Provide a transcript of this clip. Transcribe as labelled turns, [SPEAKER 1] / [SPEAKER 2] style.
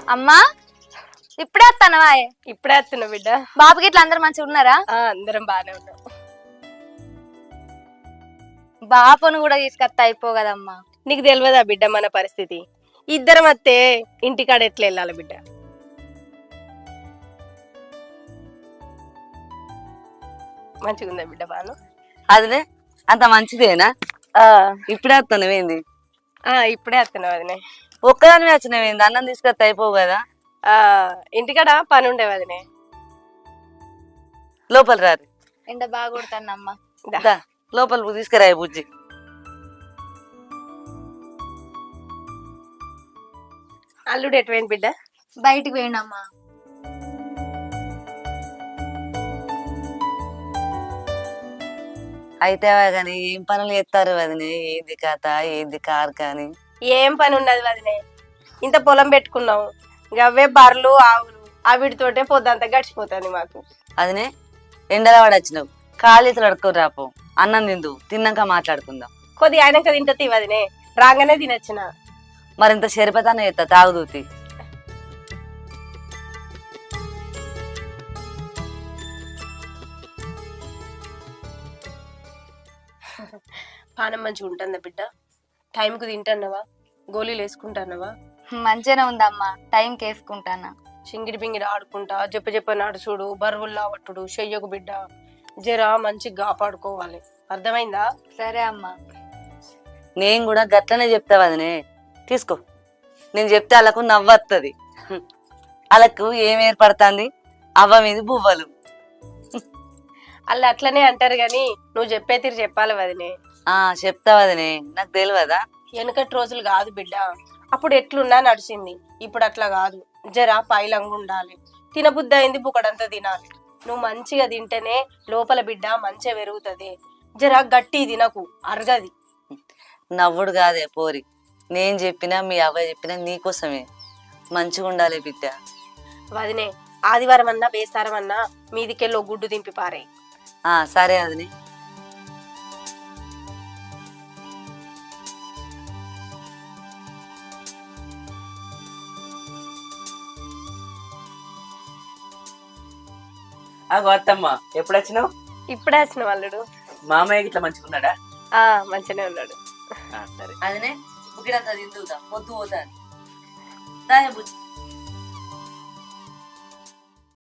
[SPEAKER 1] అమ్మా ఇప్పుడే వస్తానవా?
[SPEAKER 2] ఇప్పుడే వస్తున్నా బిడ్డ.
[SPEAKER 1] బాబుకి ఇట్లా అందరు మంచిగా ఉన్నారా?
[SPEAKER 2] అందరం బాగానే ఉన్నాం.
[SPEAKER 1] బాపును కూడా తీసుకొస్తా అయిపో కదమ్మా.
[SPEAKER 2] నీకు తెలియదా బిడ్డ మన పరిస్థితి? ఇద్దరం వస్తే ఇంటికాడ ఎట్లా వెళ్ళాలి బిడ్డ? మంచిగుందా బిడ్డ బాను?
[SPEAKER 3] అదినే అంత మంచిదేనా? ఇప్పుడే వస్తున్నావేంది?
[SPEAKER 2] ఇప్పుడే వస్తున్నావు అదినే.
[SPEAKER 3] ఒక్కదాని వచ్చినవేంది? అన్నం తీసుకొస్తే అయిపోవు కదా?
[SPEAKER 2] ఇంటికాడ పని ఉండేవి అదినే.
[SPEAKER 3] లోపల రారు.
[SPEAKER 1] ఎండ బాగా కొడుతానమ్మా.
[SPEAKER 3] లోపల తీసుకురాయి బుజ్జి.
[SPEAKER 2] అల్లుడు ఎటువైంది బిడ్డ?
[SPEAKER 1] బయటికి పోయిండమ్మా.
[SPEAKER 3] అయితే కానీ ఏం పనులు చేస్తారు వదినే? ఏంది కథ, ఏంది కారు కానీ?
[SPEAKER 2] ఏం పని ఉన్నది వదినే, ఇంత పొలం పెట్టుకున్నాము, గవ్వే బర్రెలు ఆవులు, వీటితోటే పొద్దంతా గడిచిపోతుంది మాకు.
[SPEAKER 3] అదినే ఎండలో వాడు వచ్చినావు, కాళీతలు అడుక్కొని రాపో. అన్నం తిందు, తిన్నాక మాట్లాడుకుందాం.
[SPEAKER 2] కొద్దిగా ఆయనక తింటది వదినే, రాగానే తినొచ్చిన.
[SPEAKER 3] మరింత షరిపతానే చేస్తా, తాగుదూతి.
[SPEAKER 2] పానం మంచిగా ఉంటుందా బిడ్డ? టైంకు తింటున్నావా? గోళీలు వేసుకుంటున్నావా?
[SPEAKER 1] మంచిగానే ఉందమ్మా, టైంకి వేసుకుంటానా.
[SPEAKER 2] చింగిడి పింగిడి ఆడుకుంటా చెప్ప నడుచుడు, బరువుల్లా పట్టుడు చెయ్యకు బిడ్డ. జరా మంచిగా కాపాడుకోవాలి, అర్థమైందా?
[SPEAKER 1] సరే అమ్మా.
[SPEAKER 3] నేను కూడా గట్లనే చెప్తా వదినే. తీసుకో, నేను చెప్తే వాళ్ళకు నవ్వొస్తుంది. వాళ్ళకు ఏం ఏర్పడుతుంది? అవ్వ మీద బువ్వలు.
[SPEAKER 2] వాళ్ళు అట్లనే అంటారు గాని నువ్వు చెప్పే తీరు చెప్పాలి వదినే.
[SPEAKER 3] చెప్తా వదినే, నాకు తెలియదా?
[SPEAKER 2] వెనకటి రోజులు కాదు బిడ్డ, అప్పుడు ఎట్లున్నా నడిచింది, ఇప్పుడు అట్లా కాదు. జరా పైలంగా ఉండాలి, తినబుద్ధి అయింది బుక్కడంతా తినాలి. నువ్వు మంచిగా తింటేనే లోపల బిడ్డ మంచిగా పెరుగుతుంది. జరా గట్టి తినకు, అరగది.
[SPEAKER 3] నవ్వుడు కాదే పోరి, నేను చెప్పినా మీ అవ్వ చెప్పినా నీకోసమే. మంచిగా ఉండాలి బిడ్డ.
[SPEAKER 2] వదినే, ఆదివారం అన్నా బేసారం అన్నా మీదికెళ్ళో గుడ్డు దింపి పారే.
[SPEAKER 3] సరే వదినే.
[SPEAKER 4] అత్తమ్మ ఎప్పుడు వచ్చినావు?
[SPEAKER 2] ఇప్పుడే వచ్చిన వాళ్ళుడు.
[SPEAKER 4] మామయ్య ఇట్లా మంచిగున్నాడా?
[SPEAKER 2] మంచిగానే ఉన్నాడు.
[SPEAKER 3] సరే అదనే బుక్కిడంతా తిందుదా, పొద్దు పోతాను. బుజ్జి